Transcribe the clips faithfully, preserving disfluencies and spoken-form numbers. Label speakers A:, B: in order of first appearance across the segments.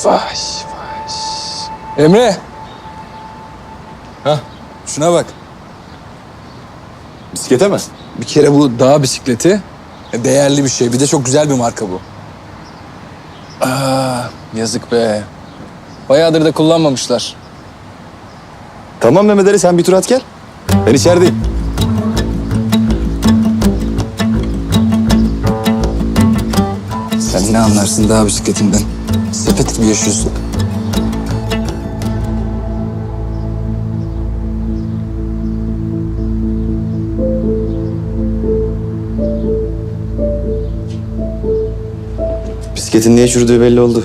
A: Vay vay. Emre.
B: Ha?
A: Şuna bak.
B: Bisiklete mi?
A: Bir kere bu dağ bisikleti değerli bir şey. Bir de çok güzel bir marka bu. Aa, yazık be. Bayağıdır da kullanmamışlar.
B: Tamam Mehmet Ali, sen bir tur at gel. Ben içerideyim.
A: Sen ne anlarsın dağ bisikletinden? Sepet gibi yaşıyorsun.
B: Bisikletin niye çürüdüğü belli oldu.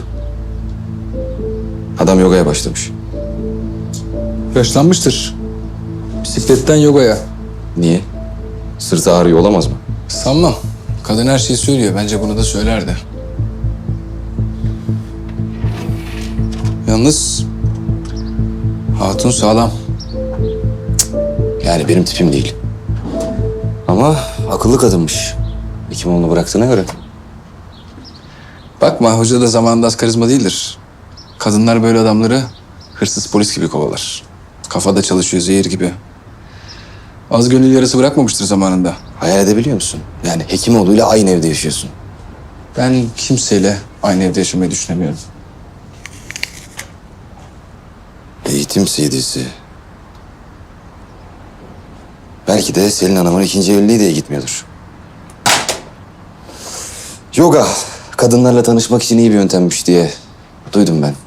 B: Adam yogaya başlamış.
A: Yaşlanmıştır. Bisikletten yogaya.
B: Niye? Sırtı ağrıyor olamaz mı?
A: Sanmam. Kadın her şeyi söylüyor. Bence bunu da söylerdi. Yalnız hatun sağlam.
B: Yani benim tipim değil. Ama akıllı kadınmış. Hekimoğlu'nu bıraktığına göre.
A: Bakma, hoca da zamanında az karizma değildir. Kadınlar böyle adamları hırsız polis gibi kovalar. Kafada çalışıyor zehir gibi. Az gönül yarası bırakmamıştır zamanında.
B: Hayal edebiliyor musun? Yani Hekimoğlu'yla aynı evde yaşıyorsun.
A: Ben kimseyle aynı evde yaşamayı düşünemiyorum.
B: Eğitim C D'si. Belki de Selin Hanım'ın ikinci evliliği diye gitmiyordur. Yoga, kadınlarla tanışmak için iyi bir yöntemmiş diye duydum ben.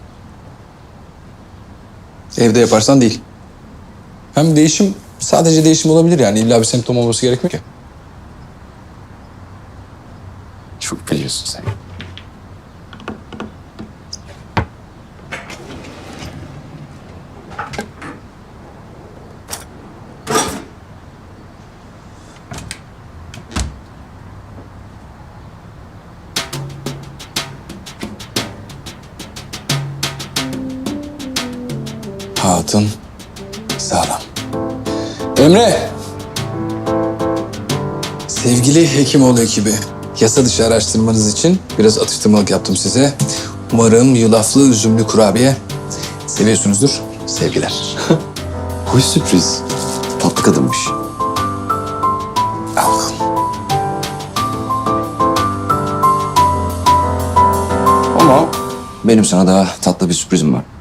A: Evde yaparsan değil. Hem değişim sadece değişim olabilir yani. İlla bir semptom olması gerekmiyor ki.
B: Çok biliyorsun sen.
A: Hatun sağlam. Emre! Sevgili Hekimoğlu ekibi, yasa dışı araştırmanız için biraz atıştırmalık yaptım size. Umarım yulaflı üzümlü kurabiye seviyorsunuzdur. Sevgiler.
B: Hoş sürpriz. Tatlı kadınmış.
A: Al bakalım.
B: Ama benim sana daha tatlı bir sürprizim var.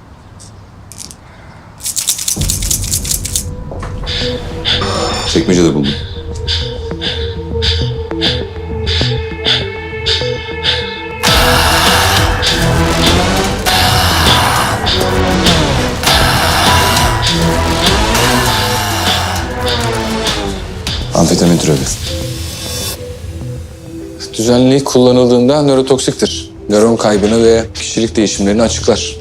B: Çekmecede buldum. Amfetamin türevi.
A: Düzenli kullanıldığında nörotoksiktir. Nöron kaybını ve kişilik değişimlerini açıklar.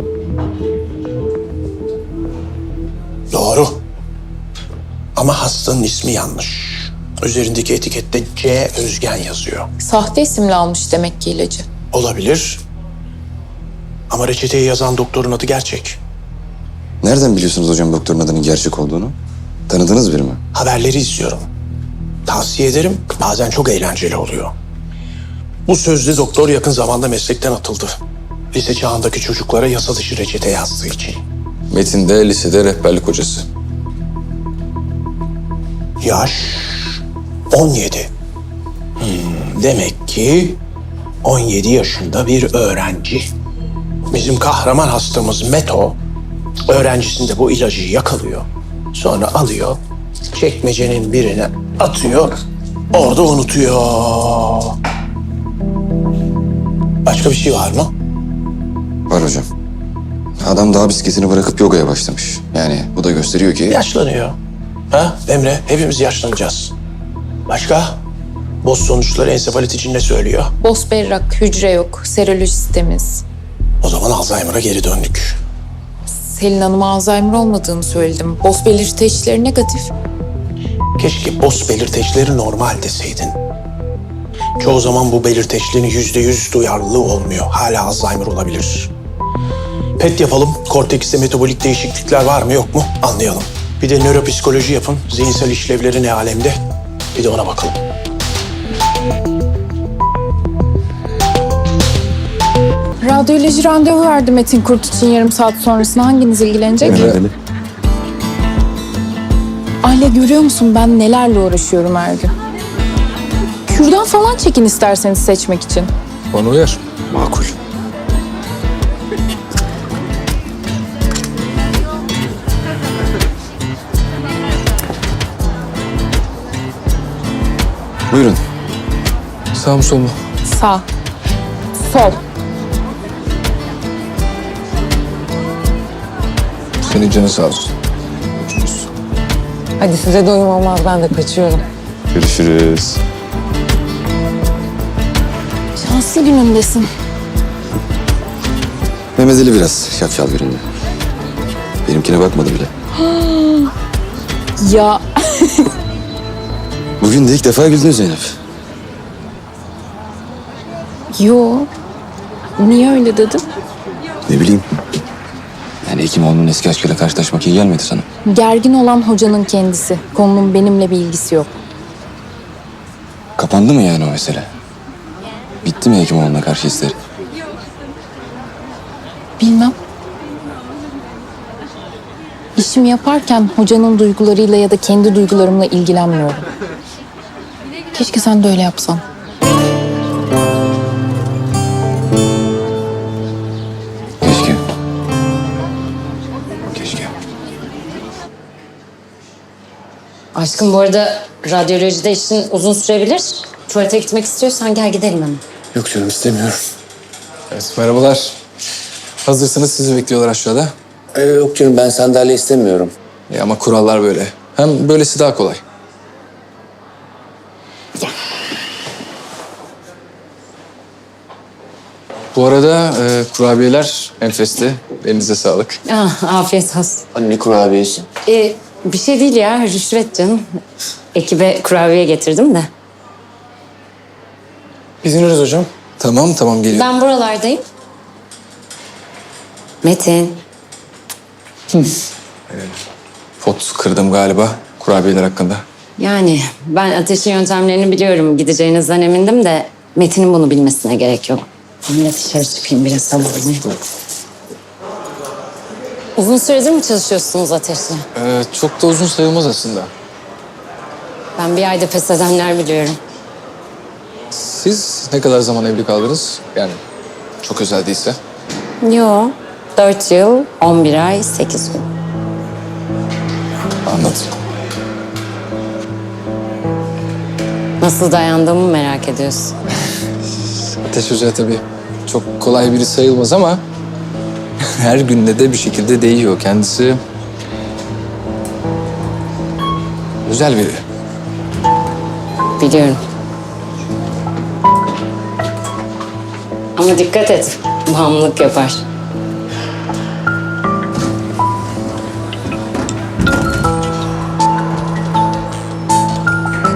C: Doğru. Ama hastanın ismi yanlış. Üzerindeki etikette C. Özgen yazıyor.
D: Sahte isimle almış demek ki ilacı.
C: Olabilir. Ama reçeteyi yazan doktorun adı gerçek.
B: Nereden biliyorsunuz hocam doktorun adının gerçek olduğunu? Tanıdığınız biri mi?
C: Haberleri izliyorum. Tavsiye ederim. Bazen çok eğlenceli oluyor. Bu sözlü doktor yakın zamanda meslekten atıldı. Lise çağındaki çocuklara yasa dışı reçete yazdığı için.
A: Metin de lisede rehberlik hocası.
C: Yaş on yedi. Hmm, demek ki on yedi yaşında bir öğrenci. Bizim kahraman hastamız Meto, öğrencisinde bu ilacı yakalıyor. Sonra alıyor, çekmecenin birine atıyor, orada unutuyor. Başka bir şey var mı?
B: Var hocam. Adam dağ bisikletini bırakıp yogaya başlamış. Yani bu da gösteriyor ki...
C: Yaşlanıyor. Ha Emre, hepimiz yaşlanacağız. Başka? Boz sonuçları ensefalit için ne söylüyor?
D: Boz berrak, hücre yok, serolojisi temiz.
C: O zaman Alzheimer'a geri döndük.
D: Selin Hanım'a Alzheimer olmadığını söyledim. Boz belirteçleri negatif.
C: Keşke boz belirteçleri normal deseydin. Çoğu zaman bu belirteçlerin yüzde yüz duyarlılığı olmuyor. Hala Alzheimer olabilir. P E T yapalım. Kortekste metabolik değişiklikler var mı yok mu anlayalım. Bir de nöropsikoloji yapın. Zihinsel işlevleri ne alemde? Bir de ona bakalım.
D: Radyoloji randevu verdi Metin Kurt için yarım saat sonrasında. Hanginiz ilgilenecek?
B: Emre.
D: Aile, görüyor musun ben nelerle uğraşıyorum her gün. Kürdan falan çekin isterseniz seçmek için.
A: Bana uyar.
B: Makul. Buyurun.
A: Sağ mı sol mu?
D: Sağ. Sol.
A: Senin canın sağ olsun. Görüşürüz.
E: Hadi size doyum olmaz, ben de kaçıyorum.
B: Görüşürüz.
D: Şanslı günündesin.
B: Mehmet Ali biraz şapşal birinde. Benimkine bakmadı bile.
D: Ya
B: Bugün de ilk defa güldün Zeynep.
D: yo. Niye öyle dedin?
B: Ne bileyim. Yani Hekimoğlu'nun eski aşkıyla karşılaşmak iyi gelmedi sana.
D: Gergin olan hocanın kendisi. Konunun benimle bir ilgisi yok.
B: Kapandı mı yani o mesele? Bitti mi Hekimoğlu'na karşı hisleri?
D: Bilmem. İşimi yaparken hocanın duygularıyla ya da kendi duygularımla ilgilenmiyorum. Keşke sen de öyle yapsan.
B: Keşke. Keşke.
F: Aşkım, bu arada radyolojide işin uzun sürebilir. Tuvalete gitmek istiyorsan gel gidelim hemen.
A: Yok canım, istemiyorum. Evet, merhabalar. Hazırsanız sizi bekliyorlar aşağıda.
G: Ee, yok canım, ben sandalye istemiyorum.
A: E ama kurallar böyle. Hem böylesi daha kolay. Bu arada e, kurabiyeler enfesti. Elinize sağlık.
F: Ah, afiyet olsun.
G: Anne kurabiyesi.
F: Ee, bir şey değil ya, rüşvet canım. Ekibe kurabiye getirdim de.
G: İzninizle hocam.
A: Tamam tamam, geliyorum.
F: Ben buralardayım. Metin.
A: Pot kırdım galiba kurabiyeler hakkında.
F: Yani ben ateşin yöntemlerini biliyorum. Gideceğinizden emindim de Metin'in bunu bilmesine gerek yok. Ben de dışarı çıkayım biraz havalanayım. Uzun süredir mi çalışıyorsunuz ateşle?
A: Ee, çok da uzun sayılmaz aslında.
F: Ben bir ayda pes edenler biliyorum.
A: Siz ne kadar zaman evli kaldınız? Yani çok özel değilse.
F: Yo, dört yıl, on bir ay, sekiz gün.
A: Anladım.
F: Nasıl dayandığımı merak ediyorsun.
A: Ateş Hoca tabii çok kolay biri sayılmaz ama her günde de bir şekilde değiyor. Kendisi güzel biri.
F: Biliyorum. Ama dikkat et, bağımlılık yapar.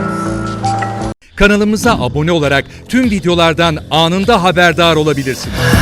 H: Kanalımıza abone olarak tüm videolardan anında haberdar olabilirsiniz.